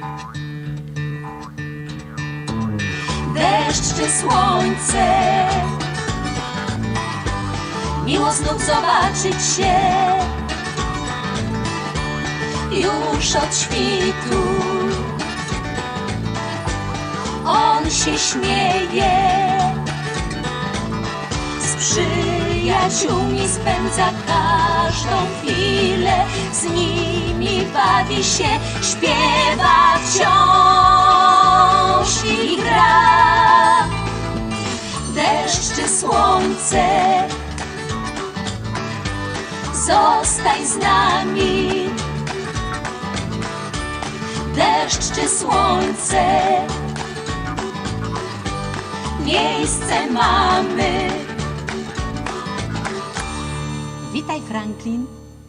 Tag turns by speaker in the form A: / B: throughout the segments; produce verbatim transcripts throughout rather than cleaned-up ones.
A: Deszcz czy słońce, miło znów zobaczyć się. Już od świtu on się śmieje, z przyjaciółmi spędza każdą chwilę, z nimi bawi się, śpiewa wciąż i gra. Deszcz czy słońce, zostań z nami. Deszcz czy słońce, miejsce mamy.
B: Witaj, Franklin.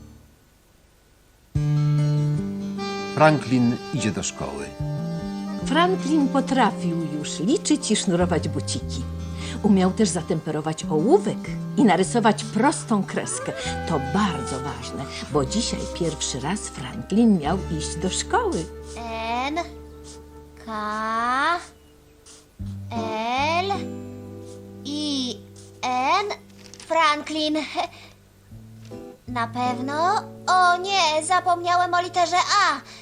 C: Franklin idzie do szkoły.
B: Franklin potrafił już liczyć i sznurować buciki. Umiał też zatemperować ołówek i narysować prostą kreskę. To bardzo ważne, bo dzisiaj pierwszy raz Franklin miał iść do szkoły.
D: N, K, L, I, N, Franklin. Na pewno? O nie, zapomniałem o literze A. E,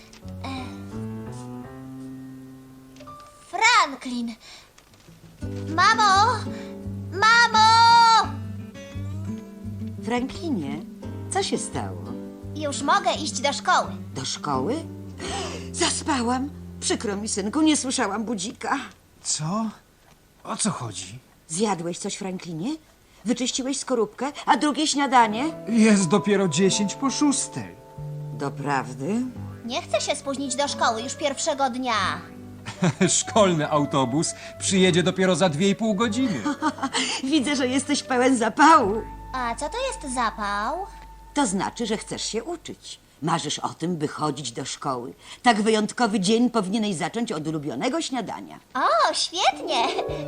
D: Franklin. Mamo! Mamo!
E: Franklinie, co się stało?
D: Już mogę iść do szkoły.
E: Do szkoły? Zaspałam. Przykro mi, synku, nie słyszałam budzika.
F: Co? O co chodzi?
E: Zjadłeś coś, Franklinie? Wyczyściłeś skorupkę, a drugie śniadanie?
F: Jest dopiero dziesięć po szóstej.
E: Doprawdy?
D: Nie chcę się spóźnić do szkoły już pierwszego dnia.
F: Szkolny autobus przyjedzie dopiero za dwie i pół godziny.
E: Widzę, że jesteś pełen zapału.
D: A co to jest zapał?
E: To znaczy, że chcesz się uczyć. Marzysz o tym, by chodzić do szkoły. Tak wyjątkowy dzień powinieneś zacząć od ulubionego śniadania.
D: O, świetnie!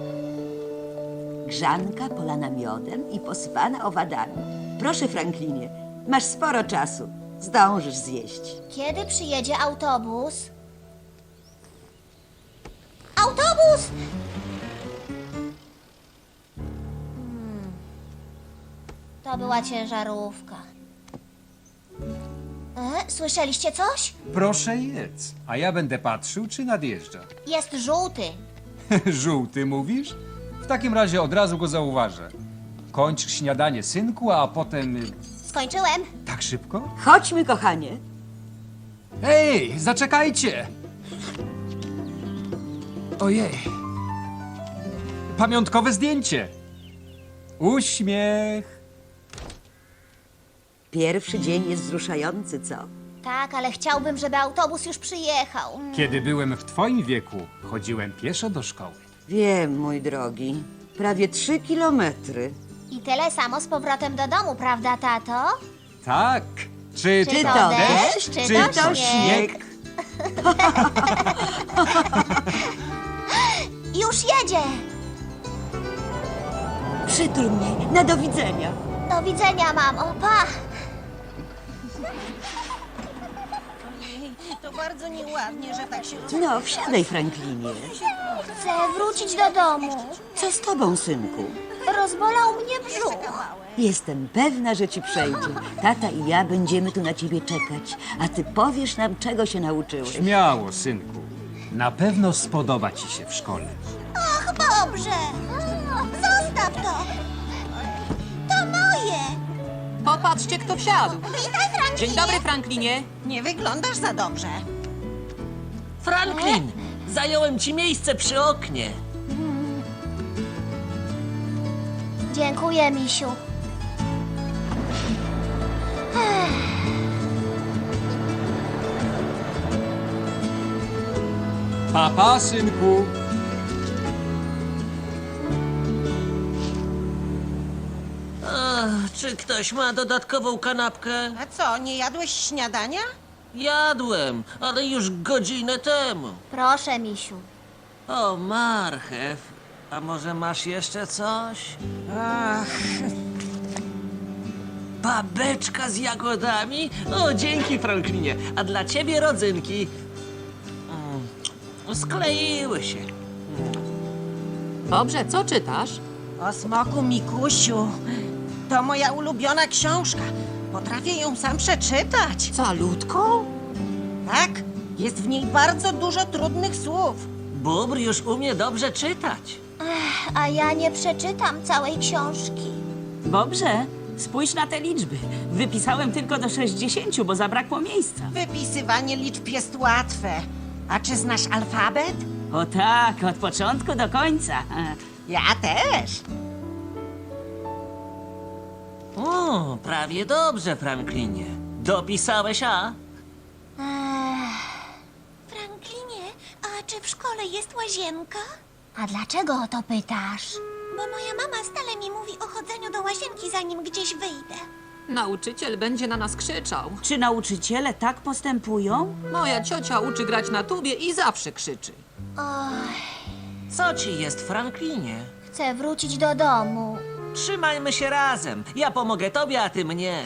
E: Grzanka polana miodem i posypana owadami. Proszę, Franklinie, masz sporo czasu. Zdążysz zjeść.
D: Kiedy przyjedzie autobus? Autobus! Hmm. To była ciężarówka. E, słyszeliście coś?
F: Proszę jedz, a ja będę patrzył, czy nadjeżdża.
D: Jest żółty.
F: Żółty mówisz? W takim razie od razu go zauważę. Kończ śniadanie, synku, a potem... y,
D: Skończyłem.
F: Tak szybko?
E: Chodźmy, kochanie.
F: Hej, zaczekajcie! Ojej. Pamiątkowe zdjęcie. Uśmiech.
E: Pierwszy dzień jest wzruszający, co?
D: Tak, ale chciałbym, żeby autobus już przyjechał.
F: Kiedy byłem w twoim wieku, chodziłem pieszo do szkoły.
E: Wiem, mój drogi. Prawie trzy kilometry.
D: I tyle samo z powrotem do domu, prawda, tato?
F: Tak. Czy,
D: Czy to deszcz, czy to śnieg? Już jedzie!
E: Przytul mnie. Na do widzenia.
D: Do widzenia, mamo. Pa!
G: To bardzo nieładnie, że tak się
E: No, wsiadaj, Franklinie.
D: Chcę wrócić do domu.
E: Co z tobą, synku?
D: Rozbolał mnie brzuch.
E: Jestem pewna, że ci przejdzie. Tata i ja będziemy tu na ciebie czekać, a ty powiesz nam, czego się nauczyłeś.
F: Śmiało, synku. Na pewno spodoba ci się w szkole.
D: Ach, dobrze. Zostaw to. To moje.
G: Popatrzcie, kto wsiadł.
D: Witaj, Franklinie.
G: Dzień dobry, Franklinie. Nie wyglądasz za dobrze.
H: Franklin, zająłem ci miejsce przy oknie.
D: Dziękuję, misiu.
F: Papa, synku.
H: Ach, czy ktoś ma dodatkową kanapkę?
G: A co, nie jadłeś śniadania?
H: Jadłem, ale już godzinę temu.
D: Proszę, misiu.
H: O, marchew. A może masz jeszcze coś? Ach. Babeczka z jagodami? O, dzięki, Franklinie. A dla ciebie rodzynki. Mm. Skleiły się.
C: Dobrze, co czytasz?
G: O smoku Mikusiu. To moja ulubiona książka. Potrafię ją sam przeczytać.
C: Calutką?
G: Tak, jest w niej bardzo dużo trudnych słów.
H: Bóbr już umie dobrze czytać.
D: A ja nie przeczytam całej książki.
I: Dobrze, spójrz na te liczby. Wypisałem tylko do sześćdziesięciu, bo zabrakło miejsca.
G: Wypisywanie liczb jest łatwe. A czy znasz alfabet?
I: O tak, od początku do końca.
G: Ja też.
H: O, prawie dobrze, Franklinie. Dopisałeś A?
D: Franklinie, a czy w szkole jest łazienka? A dlaczego o to pytasz? Bo moja mama stale mi mówi o chodzeniu do łazienki, zanim gdzieś wyjdę.
C: Nauczyciel będzie na nas krzyczał.
I: Czy nauczyciele tak postępują?
C: Moja ciocia uczy grać na tubie i zawsze krzyczy.
H: Co ci jest, Franklinie?
D: Chcę wrócić do domu.
H: Trzymajmy się razem. Ja pomogę tobie, a ty mnie.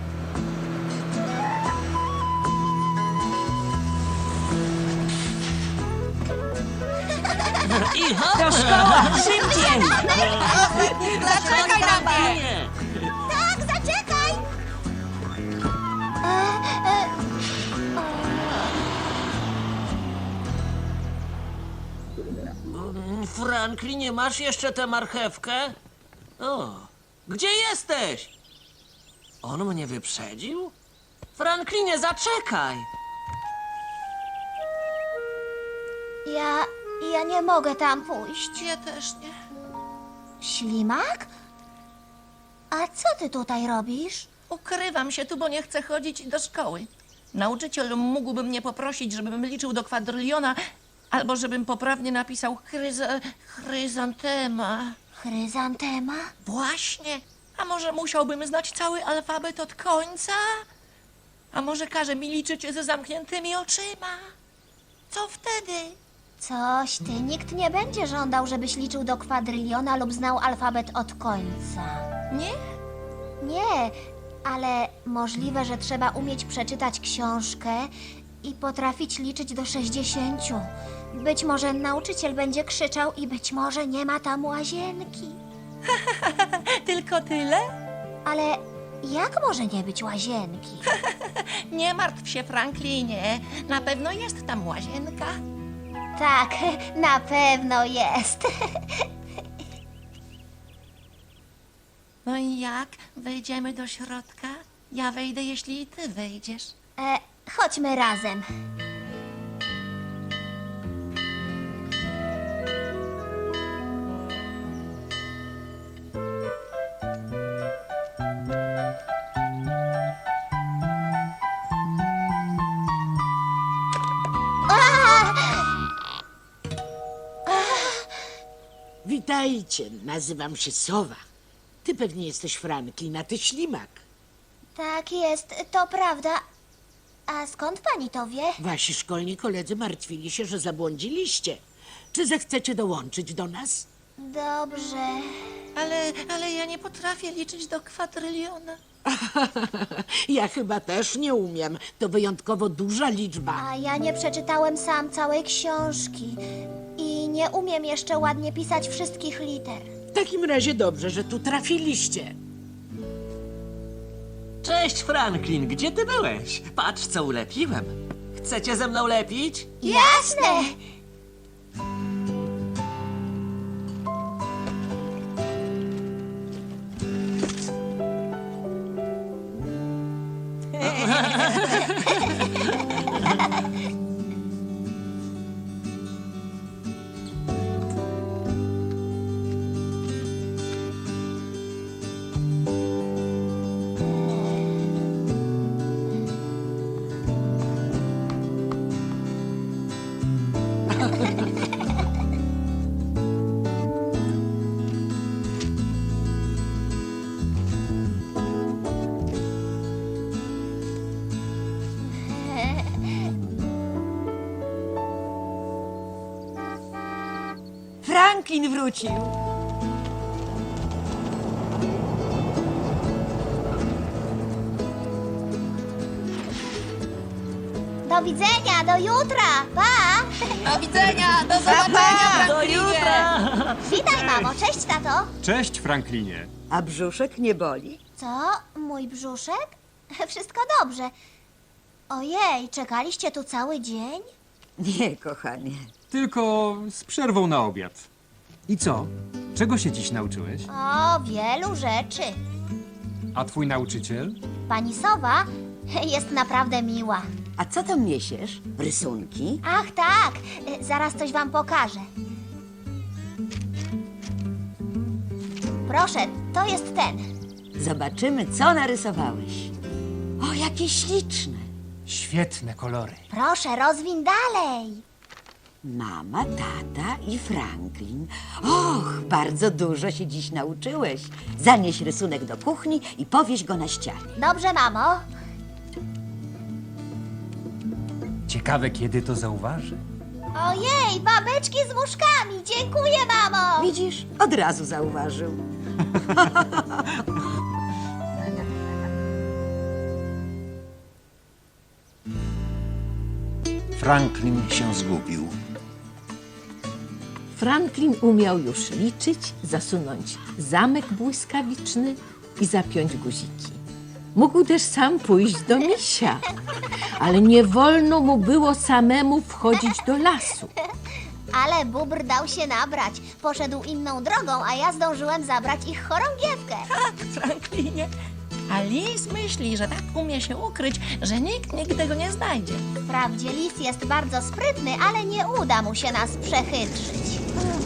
H: I hop!
I: Do szkoły! Szybciej!
H: Zaczekaj na mnie!
D: Tak, zaczekaj! E, e,
H: Franklinie, masz jeszcze tę marchewkę? O, gdzie jesteś? On mnie wyprzedził? Franklinie, zaczekaj!
D: ja... ja nie mogę tam pójść.
G: Ja też nie.
D: Ślimak? A co ty tutaj robisz?
J: Ukrywam się tu, bo nie chcę chodzić do szkoły. Nauczyciel mógłby mnie poprosić, żebym liczył do kwadryliona, albo żebym poprawnie napisał chryza... chryzantema.
D: Chryzantema?
J: Właśnie. A może musiałbym znać cały alfabet od końca? A może każe mi liczyć ze zamkniętymi oczyma? Co wtedy?
D: Coś ty, nikt nie będzie żądał, żebyś liczył do kwadryliona lub znał alfabet od końca.
J: Nie?
D: Nie, ale możliwe, że trzeba umieć przeczytać książkę i potrafić liczyć do sześćdziesięciu. Być może nauczyciel będzie krzyczał i być może nie ma tam łazienki.
J: Tylko tyle?
D: Ale jak może nie być łazienki?
J: Nie martw się, Franklinie. Na pewno jest tam łazienka.
D: Tak, na pewno jest.
J: No i jak? Wejdziemy do środka? Ja wejdę, jeśli i ty wejdziesz.
D: E, chodźmy razem.
K: Witajcie, nazywam się Sowa. Ty pewnie jesteś Franklin, a ty Ślimak.
D: Tak jest, to prawda. A skąd pani to wie?
K: Wasi szkolni koledzy martwili się, że zabłądziliście. Czy zechcecie dołączyć do nas?
D: Dobrze.
J: Ale, ale ja nie potrafię liczyć do kwadryliona.
K: Ja chyba też nie umiem. To wyjątkowo duża liczba.
D: A ja nie przeczytałem sam całej książki. I nie umiem jeszcze ładnie pisać wszystkich liter.
K: W takim razie dobrze, że tu trafiliście.
H: Cześć, Franklin, gdzie ty byłeś? Patrz, co ulepiłem. Chcecie ze mną lepić?
D: Jasne!
E: Franklin wrócił.
D: Do Do widzenia, do jutra. Pa!
J: Do widzenia, do zobaczenia,
H: Do
J: Franklinie.
H: jutra!
D: Witaj, mamo. Cześć, tato.
F: Cześć, Franklinie.
E: A brzuszek nie boli?
D: Co? Mój brzuszek? Wszystko dobrze. Ojej, czekaliście tu cały dzień?
E: Nie, kochanie.
F: Tylko z przerwą na obiad. I co? Czego się dziś nauczyłeś?
D: O, wielu rzeczy.
F: A twój nauczyciel?
D: Pani Sowa jest naprawdę miła.
E: A co tam niesiesz? Rysunki?
D: Ach, tak. Zaraz coś wam pokażę. Proszę, to jest ten.
E: Zobaczymy, co narysowałeś. O, jakie śliczne.
F: Świetne kolory.
D: Proszę, rozwin dalej.
E: Mama, tata i Franklin. Och, bardzo dużo się dziś nauczyłeś. Zanieś rysunek do kuchni i powieś go na ścianie.
D: Dobrze, mamo.
F: Ciekawe, kiedy to zauważy.
D: Ojej, babeczki z muszkami. Dziękuję, mamo.
E: Widzisz? Od razu zauważył.
L: Franklin się zgubił.
B: Franklin umiał już liczyć, zasunąć zamek błyskawiczny i zapiąć guziki. Mógł też sam pójść do misia, ale nie wolno mu było samemu wchodzić do lasu.
D: Ale bóbr dał się nabrać. Poszedł inną drogą, a ja zdążyłem zabrać ich chorągiewkę.
J: Tak, Franklinie. A lis myśli, że tak umie się ukryć, że nikt nigdy go nie znajdzie.
D: Wprawdzie lis jest bardzo sprytny, ale nie uda mu się nas przechytrzyć.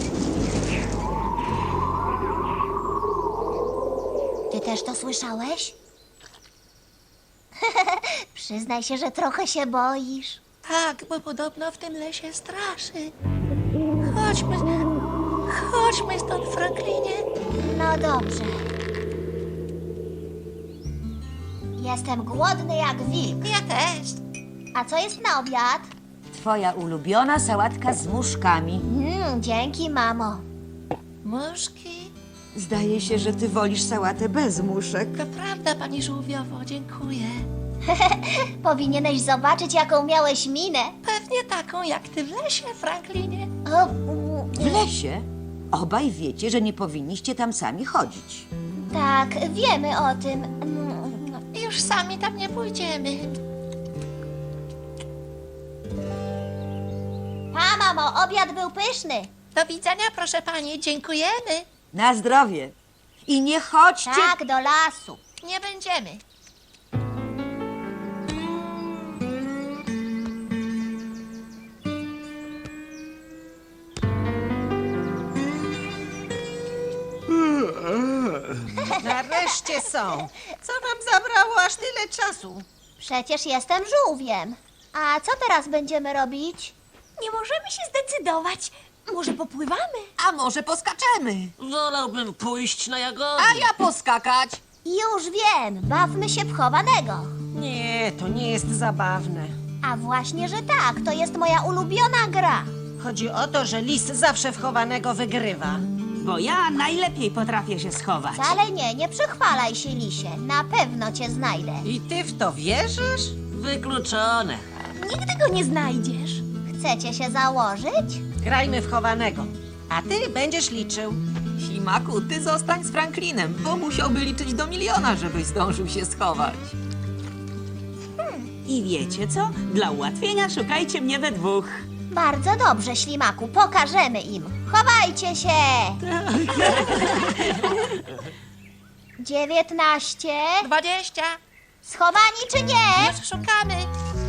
D: Ty też to słyszałeś? Przyznaj się, że trochę się boisz.
J: Tak, bo podobno w tym lesie straszy. Chodźmy, chodźmy stąd, Franklinie.
D: No dobrze. Jestem głodny jak wilk.
J: Ja też.
D: A co jest na obiad?
E: Twoja ulubiona sałatka z muszkami.
D: Mm, dzięki, mamo.
J: Muszki?
E: Zdaje się, że ty wolisz sałatę bez muszek.
J: To prawda, pani żółwiowo, dziękuję.
D: Powinieneś zobaczyć, jaką miałeś minę.
J: Pewnie taką jak ty w lesie, Franklinie.
D: O, mm,
E: W lesie? Obaj wiecie, że nie powinniście tam sami chodzić.
D: tak, wiemy o tym. Mm,
J: Już sami tam nie pójdziemy.
D: Pa, mamo, obiad był pyszny.
J: Do widzenia, proszę pani, dziękujemy.
E: Na zdrowie. I nie chodźcie...
D: Tak, do lasu.
J: Nie będziemy.
G: Nareszcie są. Co wam zabrało aż tyle czasu?
D: Przecież jestem żółwiem. A co teraz będziemy robić?
A: Nie możemy się zdecydować. Może popływamy?
C: A może poskaczemy?
H: Wolałbym pójść na jagody.
C: A ja poskakać.
D: Już wiem, bawmy się w chowanego.
G: Nie, to nie jest zabawne.
D: A właśnie, że tak, to jest moja ulubiona gra.
G: Chodzi o to, że lis zawsze w chowanego wygrywa.
I: Bo ja najlepiej potrafię się schować.
D: Wcale nie, nie przychwalaj się, lisie. Na pewno cię znajdę.
G: I ty w to wierzysz?
H: Wykluczone.
A: Nigdy go nie znajdziesz.
D: Chcecie się założyć?
G: Grajmy w chowanego. A ty będziesz liczył.
C: Ślimaku, ty zostań z Franklinem, bo musiałby liczyć do miliona, żebyś zdążył się schować.
I: I wiecie co? Dla ułatwienia szukajcie mnie we dwóch.
D: Bardzo dobrze, ślimaku, pokażemy im. Chowajcie się! Dziewiętnaście.
J: Dwadzieścia.
D: Schowani czy nie?
J: Już szukamy.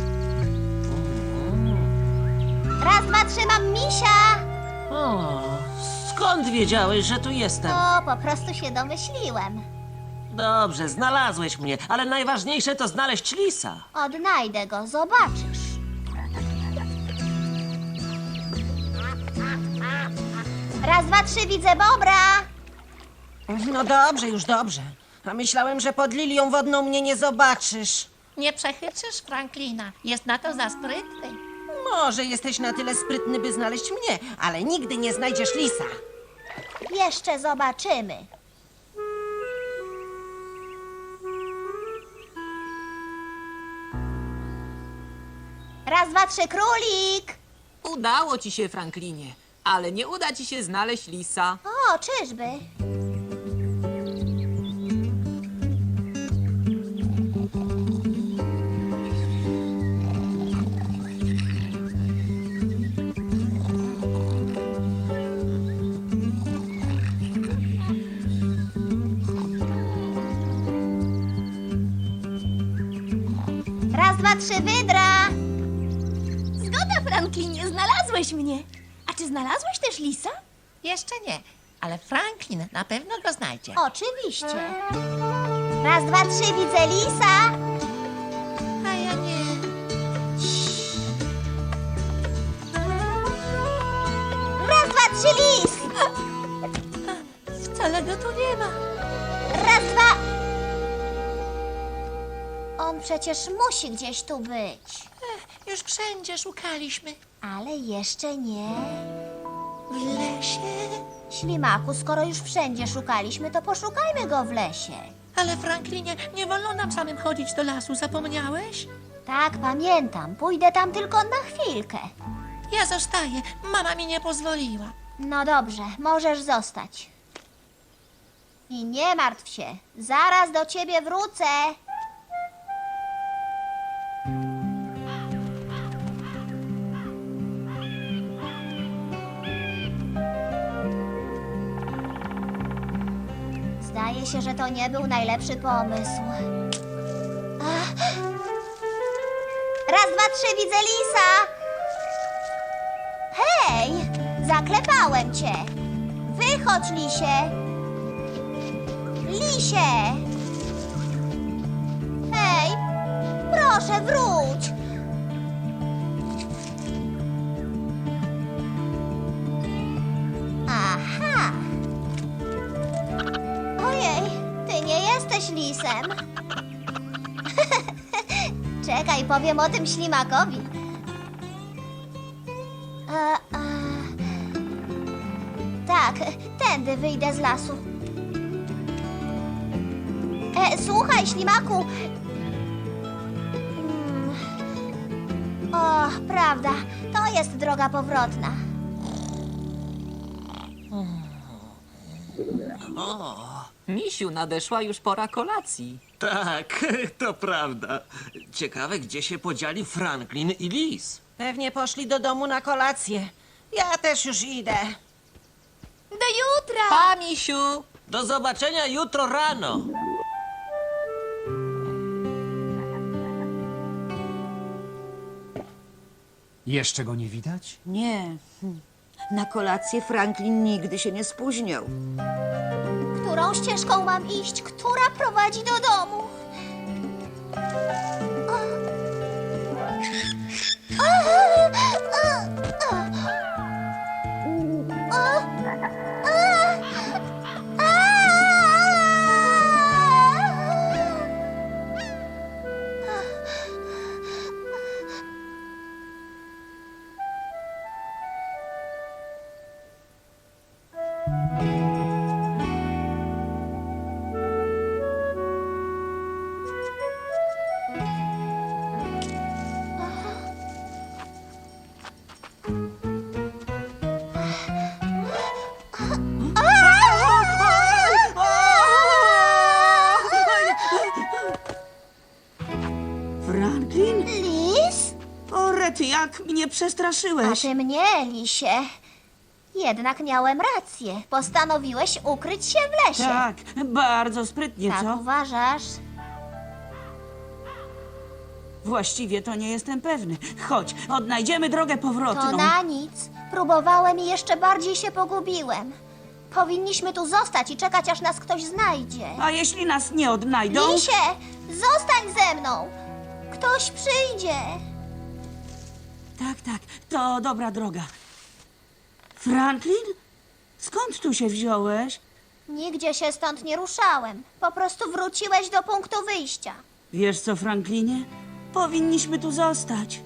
D: Raz, dwa, trzy, mam misia.
H: O, skąd wiedziałeś, że tu jestem?
D: No, po prostu się domyśliłem.
H: Dobrze, znalazłeś mnie, ale najważniejsze to znaleźć lisa.
D: Odnajdę go, zobaczysz. Raz, dwa, trzy, widzę bobra.
G: No dobrze, już dobrze. A myślałem, że pod lilią wodną mnie nie zobaczysz.
J: Nie przechytrzysz Franklina. Jest na to za sprytny.
G: Może jesteś na tyle sprytny, by znaleźć mnie, ale nigdy nie znajdziesz lisa.
D: Jeszcze zobaczymy. Raz, dwa, trzy, królik!
C: Udało ci się, Franklinie, ale nie uda ci się znaleźć lisa.
D: O, czyżby? Raz, dwa, trzy, wydra!
A: Zgoda, Franklinie, znalazłeś mnie. A czy znalazłeś też lisa?
J: Jeszcze nie, ale Franklin na pewno go znajdzie.
D: Oczywiście. Raz, dwa, trzy, widzę lisa.
J: A ja nie.
D: Raz, dwa, trzy, lis.
J: Wcale go tu nie ma.
D: Raz, dwa. On przecież musi gdzieś tu być.
J: Ech, już wszędzie szukaliśmy.
D: Ale jeszcze nie.
J: W lesie.
D: Ślimaku, skoro już wszędzie szukaliśmy, to poszukajmy go w lesie.
J: Ale Franklinie, nie wolno nam samym chodzić do lasu, zapomniałeś?
D: Tak, pamiętam. Pójdę tam tylko na chwilkę.
J: Ja zostaję, mama mi nie pozwoliła.
D: No dobrze, możesz zostać. I nie martw się, zaraz do ciebie wrócę. Zdaje się, że to nie był najlepszy pomysł. Ach. Raz, dwa, trzy, widzę lisa! Hej! Zaklepałem cię! Wychodź, lisie! Lisie! Hej! Proszę, wróć! Aha! Ojej, ty nie jesteś lisem. Czekaj, powiem o tym ślimakowi. E, e, tak, tędy wyjdę z lasu. E, słuchaj, ślimaku. Mm. O, prawda, to jest droga powrotna.
C: Misiu, nadeszła już pora kolacji.
H: Tak, to prawda. Ciekawe, gdzie się podzieli Franklin i Lis.
G: Pewnie poszli do domu na kolację. Ja też już idę.
A: Do jutra!
C: Pa, Misiu!
H: Do zobaczenia jutro rano.
F: Jeszcze go nie widać?
E: Nie. Hm. Na kolację Franklin nigdy się nie spóźniał.
D: Którą ścieżką mam iść? Która prowadzi do domu?
I: Franklin?
D: Lis?
I: O, Rety, jak mnie
D: A
I: przestraszyłeś.
D: ty mnie, lisie. Jednak miałem rację. Postanowiłeś ukryć się w lesie.
I: Tak, bardzo sprytnie,
D: Tak
I: co?
D: uważasz?
I: Właściwie to nie jestem pewny. Chodź, odnajdziemy drogę powrotną.
D: To na nic. Próbowałem i jeszcze bardziej się pogubiłem. Powinniśmy tu zostać i czekać, aż nas ktoś znajdzie.
I: A jeśli nas nie odnajdą?
D: Lisie, zostań ze mną. Ktoś przyjdzie.
I: Tak, tak, to dobra droga. Franklin? Skąd tu się wziąłeś?
D: Nigdzie się stąd nie ruszałem. Po prostu wróciłeś do punktu wyjścia.
I: Wiesz co, Franklinie? Powinniśmy tu zostać.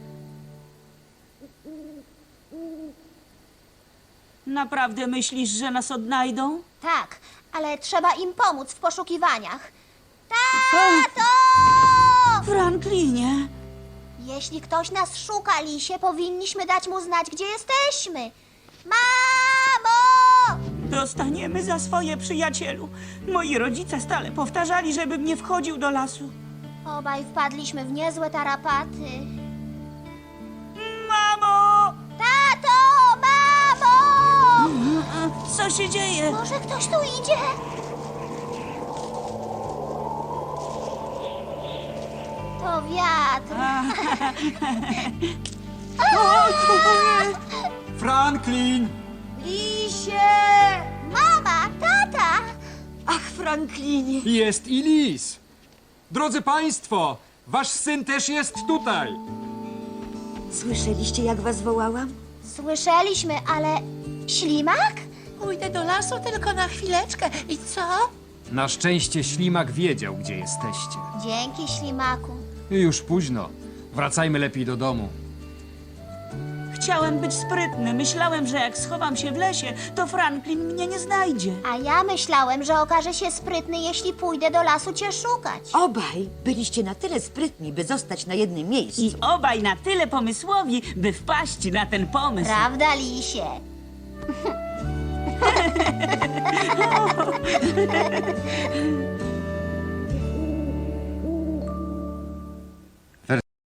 I: Naprawdę myślisz, że nas odnajdą?
D: Tak, ale trzeba im pomóc w poszukiwaniach. Tato!
I: Franklinie!
D: Jeśli ktoś nas szuka, Lisie, powinniśmy dać mu znać, gdzie jesteśmy. Mamo!
I: Dostaniemy za swoje, przyjacielu. Moi rodzice stale powtarzali, żebym nie wchodził do lasu.
D: Obaj wpadliśmy w niezłe tarapaty.
I: Mamo!
D: Tato! Mamo!
I: Co się dzieje?
D: Może ktoś tu idzie? To wiatr.
F: Franklin!
D: Lisie! Mama, tata!
E: Ach, Franklinie.
F: Jest i lis! Drodzy państwo, wasz syn też jest tutaj!
E: Słyszeliście, jak was wołałam?
D: Słyszeliśmy, ale... Ślimak?
J: Pójdę do lasu tylko na chwileczkę. I co?
F: Na szczęście ślimak wiedział, gdzie jesteście.
D: Dzięki, Ślimaku.
F: I już późno. Wracajmy lepiej do domu.
I: Chciałem być sprytny. Myślałem, że jak schowam się w lesie, to Franklin mnie nie znajdzie.
D: A ja myślałem, że okaże się sprytny, jeśli pójdę do lasu cię szukać.
E: Obaj byliście na tyle sprytni, by zostać na jednym miejscu.
I: I obaj na tyle pomysłowi, by wpaść na ten pomysł.
D: Prawda, Lisie?